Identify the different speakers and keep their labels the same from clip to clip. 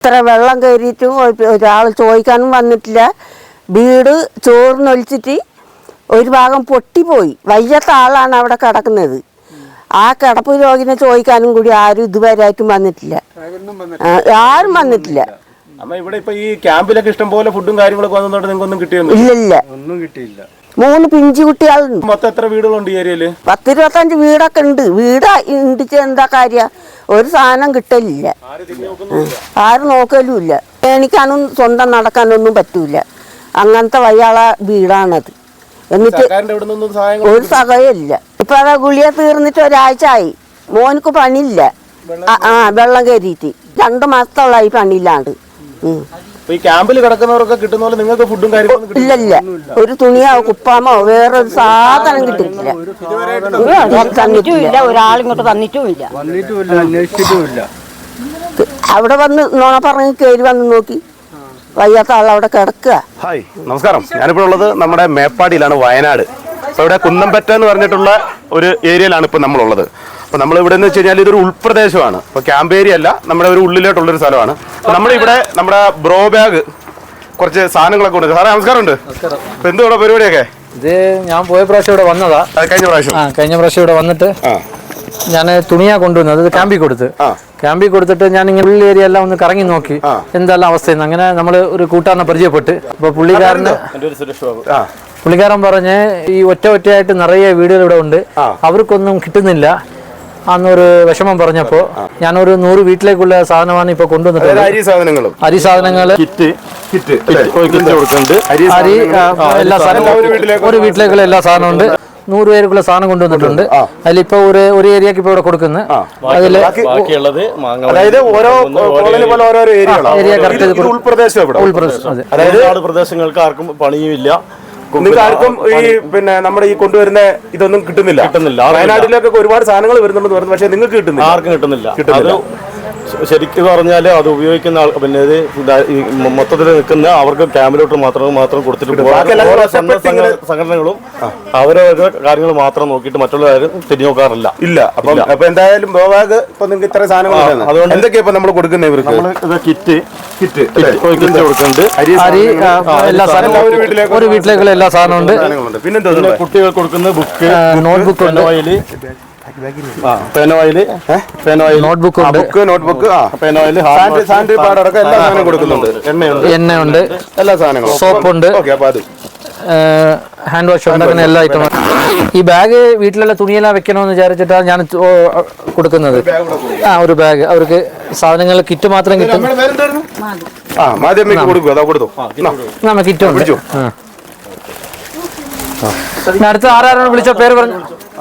Speaker 1: ഇത്ര വെള്ളം കയറിയിട്ടും ഒരാൾ ചോദിക്കാനും വന്നിട്ടില്ല. വീട് ചോർന്നൊലിച്ചിട്ട് ഒരു ഭാഗം പൊട്ടിപ്പോയി. വയ്യാത്ത ആളാണ് അവിടെ കിടക്കുന്നത്. ആ കിടപ്പ് രോഗിനെ ചോദിക്കാനും കൂടി ആരും ഇതുവരെയായിട്ടും വന്നിട്ടില്ല. ആരും വന്നിട്ടില്ല.
Speaker 2: ഇവിടെ ഇപ്പൊ ഈ ക്യാമ്പിലൊക്കെ ഇഷ്ടംപോലെ ഫുഡും കാര്യങ്ങളൊക്കെ വന്നോണ്ട് നിങ്ങൾക്കൊന്നും കിട്ടിയൊന്നും
Speaker 1: ഇല്ലില്ല.
Speaker 2: ഒന്നും കിട്ടിയില്ല.
Speaker 1: 3 പിഞ്ചു കുട്ടികളുണ്ട്.
Speaker 2: മൊത്തം എത്ര വീടുകളുണ്ട് ഈ ഏരിയയില്?
Speaker 1: 10-25 വീടൊക്കെ ഉണ്ട്. വീട് ഇണ്ടിച്ച് എന്താ കാര്യം? ഒരു സാധനം കിട്ടലില്ല. ആരും നോക്കലുമില്ല. എണിക്കാനും സ്വന്തം നടക്കാനൊന്നും പറ്റൂല. അങ്ങനത്തെ വയ്യാള വീടാണത്. എന്നിട്ട് ഒരു സഹായമില്ല. ഇപ്പൊ അതാ ഗുളിക തീർന്നിട്ട് ഒരാഴ്ച ആയി. മോനക്ക് പണിയില്ല. വെള്ളം കയറിയിട്ട് 2 മാസത്തോളായി പണിയില്ലാണ്ട്.
Speaker 2: ഈ ക്യാമ്പിൽ കിടക്കുന്നവർക്ക് കിട്ടുന്ന പോലെ നിങ്ങൾക്ക് ഫുഡും കാര്യങ്ങളും
Speaker 1: ഇല്ലല്ല. ഒരു തുണിയോ കുപ്പാമോ വേറൊരു സാധനം കിട്ടിയിട്ടില്ല. ഒരാളിങ്ങോട്ട് തന്നിട്ടുമില്ല. അവിടെ വന്ന് നോണ പറഞ്ഞ് കയറി വന്ന് നോക്കി വയ്യാത്ത ആളവിടെ കിടക്കുക.
Speaker 2: ഹായ്, നമസ്കാരം. ഞാനിപ്പോൾ ഉള്ളത് നമ്മുടെ മേപ്പാടിയിലാണ്, വയനാട്. അപ്പോൾ ഇവിടെ കുന്നംപറ്റ എന്ന് പറഞ്ഞിട്ടുള്ള ഒരു ഏരിയയിലാണ് ഇപ്പോൾ നമ്മളുള്ളത്. അപ്പോൾ നമ്മളിവിടെ എന്ന് വെച്ച് കഴിഞ്ഞാൽ ഇതൊരു ഉൾപ്രദേശമാണ്. അപ്പോൾ ക്യാമ്പ് ഏരിയ അല്ല, നമ്മുടെ ഒരു ഉള്ളിലോട്ടുള്ളൊരു സ്ഥലമാണ്. അപ്പോൾ നമ്മളിവിടെ നമ്മുടെ ബ്രോ ബാഗ് കുറച്ച് സാധനങ്ങളൊക്കെ ഉണ്ട്. സാറേ നമസ്കാരമുണ്ട്. അപ്പോൾ എന്തുവാ പരിപാടിയൊക്കെ?
Speaker 3: ഇത് ഞാൻ പോയ പ്രാവശ്യം ഇവിടെ വന്നതാ. കഴിഞ്ഞ പ്രാവശ്യം ഇവിടെ വന്നിട്ട് ഞാൻ തുണിയാ കൊണ്ടുവന്നത്. അത് ക്യാമ്പിൽ കൊടുത്തിട്ട് ഞാൻ ഇങ്ങനെ ഉള്ള ഏരിയ എല്ലാം ഒന്ന് കറങ്ങി നോക്കി എന്തെല്ലാം അവസ്ഥയെന്ന്. അങ്ങനെ നമ്മൾ ഒരു കൂട്ടാറിനെ പരിചയപ്പെട്ട് അപ്പോൾ പുള്ളിക്കാരൻ പറഞ്ഞ് ഈ ഒറ്റയായിട്ട് നിറയെ വീടുകൾ ഇവിടെ ഉണ്ട്, അവർക്കൊന്നും കിട്ടുന്നില്ല അന്നൊരു വിഷമം പറഞ്ഞപ്പോ ഞാനൊരു 100 വീട്ടിലേക്കുള്ള സാധനമാണ് ഇപ്പൊ കൊണ്ടുവന്നിട്ടുള്ളത്. അരി സാധനങ്ങള്, അരി, എല്ലാ സാധനവും ഒരു വീട്ടിലേക്കുള്ള എല്ലാ സാധനവും ഉണ്ട്. 100 പേർക്കുള്ള സാധനം കൊണ്ടുവന്നിട്ടുണ്ട്. അതിലിപ്പോ ഒരു ഏരിയക്ക് ഇപ്പൊ ഇവിടെ കൊടുക്കുന്നത്. അതില് ഏരിയ കറക്റ്റ്
Speaker 2: ഉൾപ്രദേശങ്ങൾക്ക് ആർക്കും പണിയുമില്ല. നിങ്ങൾക്ക് ആർക്കും ഈ നമ്മുടെ ഈ കൊണ്ടുവരുന്ന ഇതൊന്നും കിട്ടുന്നില്ല. വയനാട്ടിലേക്കൊക്കെ ഒരുപാട് സാധനങ്ങൾ വരുന്നുണ്ടെന്ന് പറഞ്ഞു, പക്ഷെ നിങ്ങൾക്ക് കിട്ടുന്നില്ല. ആർക്കും കിട്ടുന്നില്ല. ശരിക്കും പറഞ്ഞാൽ അത് ഉപയോഗിക്കുന്ന ഇത് മൊത്തത്തിൽ നിൽക്കുന്ന അവർക്ക് ക്യാമ്പിലോട്ട് മാത്രം കൊടുത്തിട്ട് സംഘടനകളും അവരവരുടെ കാര്യങ്ങൾ മാത്രം നോക്കിയിട്ട് മറ്റുള്ളവരും തിരിഞ്ഞു നോക്കാറില്ല. അപ്പൊ എന്തായാലും ബോബാഗ് ഇപ്പൊ നിങ്ങൾക്ക് ഇത്ര സാധനങ്ങൾ അതുകൊണ്ട് എന്തൊക്കെയാ ഇപ്പൊ നമ്മൾ കൊടുക്കുന്നത് ഇവർക്ക്? കിറ്റ് കൊടുക്കുന്നുണ്ട്. അരി, എല്ലാ സാധനവും ഒരു വീട്ടിലേക്കുള്ള എല്ലാ സാധനവും ഉണ്ട്. പിന്നെന്താ കുട്ടികൾക്ക് കൊടുക്കുന്ന ബുക്ക്, നോട്ട്ബുക്ക് ഉണ്ട്, നോട്ട്ബുക്ക് എണ്ണയുണ്ട്, എല്ലാ സാധനങ്ങളും, സോപ്പുണ്ട്, ഹാൻഡ് വാഷ് ഉണ്ട്, അങ്ങനെ എല്ലാ ഐറ്റം. ഈ ബാഗ് വീട്ടിലുള്ള തുണിയെല്ലാം വെക്കണമെന്ന് വിചാരിച്ചിട്ടാണ് ഞാൻ കൊടുക്കുന്നത്. ഒരു ബാഗ് അവർക്ക് സാധനങ്ങൾ കിറ്റ് മാത്രം കിട്ടും. കിറ്റ് അടുത്ത ആരാണ് വിളിച്ച പേര് പറഞ്ഞു?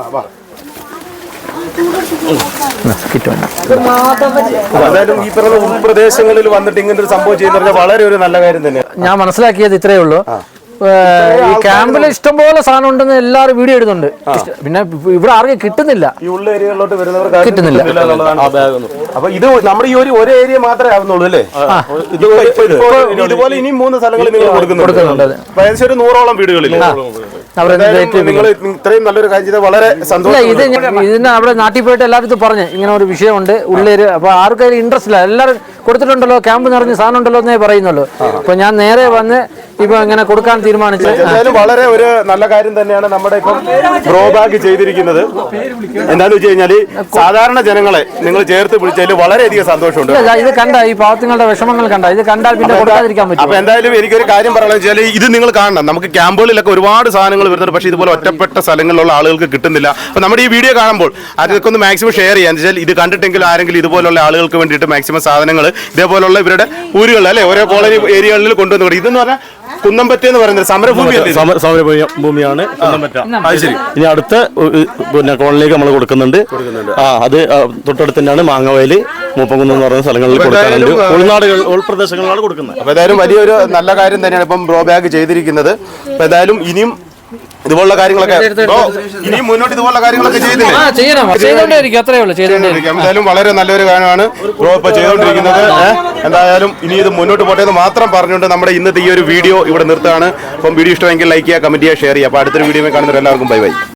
Speaker 2: അതായത് ഈ പറഞ്ഞ ഉൾപ്രദേശങ്ങളിൽ വന്നിട്ട് ഇങ്ങനെ ഒരു സംഭവം ചെയ്യുന്ന വളരെ ഒരു നല്ല കാര്യം തന്നെ. ഞാൻ മനസ്സിലാക്കിയത് ഇത്രയേ ഉള്ളൂ. ഈ ക്യാമ്പിൽ ഇഷ്ടംപോലെ സാധനം ഉണ്ടെന്ന് എല്ലാവരും വീഡിയോ ഇടുന്നുണ്ട്. പിന്നെ ഇവിടെ ആർക്കും കിട്ടുന്നില്ല. ഈ ഉള്ള ഏരിയകളിലോട്ട് വരുന്നവർക്ക് കിട്ടുന്നില്ല. അപ്പൊ ഇത് നമ്മുടെ ഈ ഒരു ഏരിയ മാത്രമേ ആവുന്നുള്ളൂ അല്ലേ? ഇതുപോലെ ഇനിയും 3 സ്ഥലങ്ങളിൽ നിങ്ങൾ കൊടുക്കുന്നുണ്ട്. ഏകദേശം ഒരു 100ഓളം വീടുകളിൽ. നിങ്ങൾ ഇത്രയും നല്ലൊരു കാര്യം ചെയ്താൽ വളരെ സന്തോഷം. ഇതിന് അവിടെ നാട്ടിൽ പോയിട്ട് എല്ലാവരും പറഞ്ഞു ഇങ്ങനെ ഒരു വിഷയമുണ്ട് ഉള്ളേര്. അപ്പൊ ആർക്കും ഇൻട്രസ്റ്റ് ഇല്ല. എല്ലാവരും കൊടുത്തിട്ടുണ്ടല്ലോ, ക്യാമ്പ് നിറഞ്ഞ സാധനം ഉണ്ടല്ലോ എന്നേ പറയുന്നുള്ളൂ. അപ്പൊ ഞാൻ നേരെ വന്ന് ഇപ്പൊ ഇങ്ങനെ കൊടുക്കാൻ തീരുമാനിച്ചു. വളരെ ഒരു നല്ല കാര്യം തന്നെയാണ് നമ്മുടെ ഇപ്പം ബ്രോ ബാഗ് ചെയ്തിരിക്കുന്നത്. എന്താന്ന് വെച്ച് കഴിഞ്ഞാല് സാധാരണ ജനങ്ങളെ നിങ്ങൾ ചേർത്ത് പിടിച്ചതിൽ വളരെയധികം സന്തോഷമുണ്ട്. ഇത് കണ്ട ഈ പാവങ്ങളുടെ വിഷമങ്ങൾ കണ്ട, ഇത് കണ്ടാൽ പിന്നെ കൊടുക്കാതിരിക്കാൻ പറ്റും. അപ്പൊ എന്തായാലും എനിക്കൊരു കാര്യം പറയാന്ന് വെച്ചാൽ ഇത് നിങ്ങൾ കാണണം. നമുക്ക് ക്യാമ്പുകളിലൊക്കെ ഒരുപാട് സാധനങ്ങൾ വരുന്നുണ്ട്, പക്ഷേ ഇതുപോലെ ഒറ്റപ്പെട്ട സ്ഥലങ്ങളിലുള്ള ആളുകൾക്ക് കിട്ടുന്നില്ല. അപ്പൊ നമ്മുടെ ഈ വീഡിയോ കാണുമ്പോൾ അതൊക്കെ ഒന്ന് മാക്സിമം ഷെയർ ചെയ്യാൻ വെച്ചാൽ ഇത് കണ്ടിട്ടെങ്കിലും ആരെങ്കിലും ഇതുപോലുള്ള ആളുകൾക്ക് വേണ്ടിയിട്ട് മാക്സിമം സാധനങ്ങൾ ഇതേപോലുള്ള ഇവരുടെ ഊരുകളിൽ അല്ലെ ഓരോ കോളനി ഏരിയകളിൽ കൊണ്ടുവന്നു. ഇതെന്ന് പറഞ്ഞാൽ കുന്നംപറ്റ എന്ന് പറയുന്നത് സമരഭൂമിയാണ് കുന്നംപറ്റ. അത് ശരി. ഇനി അടുത്ത കോളനിലേക്ക് നമ്മൾ കൊടുക്കുന്നുണ്ട്. അത് തൊട്ടടുത്ത് തന്നെയാണ് മാങ്ങവയല്, മൂപ്പംകുന്ന് എന്ന് പറയുന്ന സ്ഥലങ്ങളിൽ കൊടുക്കാറുണ്ട്. ഉൾനാടുകൾ ഉൾപ്രദേശങ്ങളിലാണ് കൊടുക്കുന്നത്. അപ്പൊ ഏതായാലും വലിയൊരു നല്ല കാര്യം തന്നെയാണ് ഇപ്പം ബ്രോ ബാഗ് ചെയ്തിരിക്കുന്നത്. അപ്പൊ ഏതായാലും ഇനിയും ഇതുപോലുള്ള കാര്യങ്ങളൊക്കെ ഇനിയും മുന്നോട്ട് ഇതുപോലുള്ള കാര്യങ്ങളൊക്കെ ചെയ്തുകൊണ്ടിരിക്കും. എന്തായാലും വളരെ നല്ലൊരു കാര്യമാണ് ബ്രോ ഇപ്പൊ ചെയ്തുകൊണ്ടിരിക്കുന്നത്. എന്തായാലും ഇനി ഇത് മുന്നോട്ട് പോട്ടെ എന്ന് മാത്രം പറഞ്ഞുകൊണ്ട് നമ്മുടെ ഇന്നത്തെ ഈ ഒരു വീഡിയോ ഇവിടെ നിർത്തുകയാണ്. അപ്പം വീഡിയോ ഇഷ്ടമെങ്കിൽ ലൈക്ക് ചെയ്യുക, കമന്റ് ചെയ്യുക, ഷെയർ ചെയ്യുക. അപ്പൊ അടുത്തൊരു വീഡിയോ കാണുന്നവർ എല്ലാവർക്കും ബൈ ബൈ.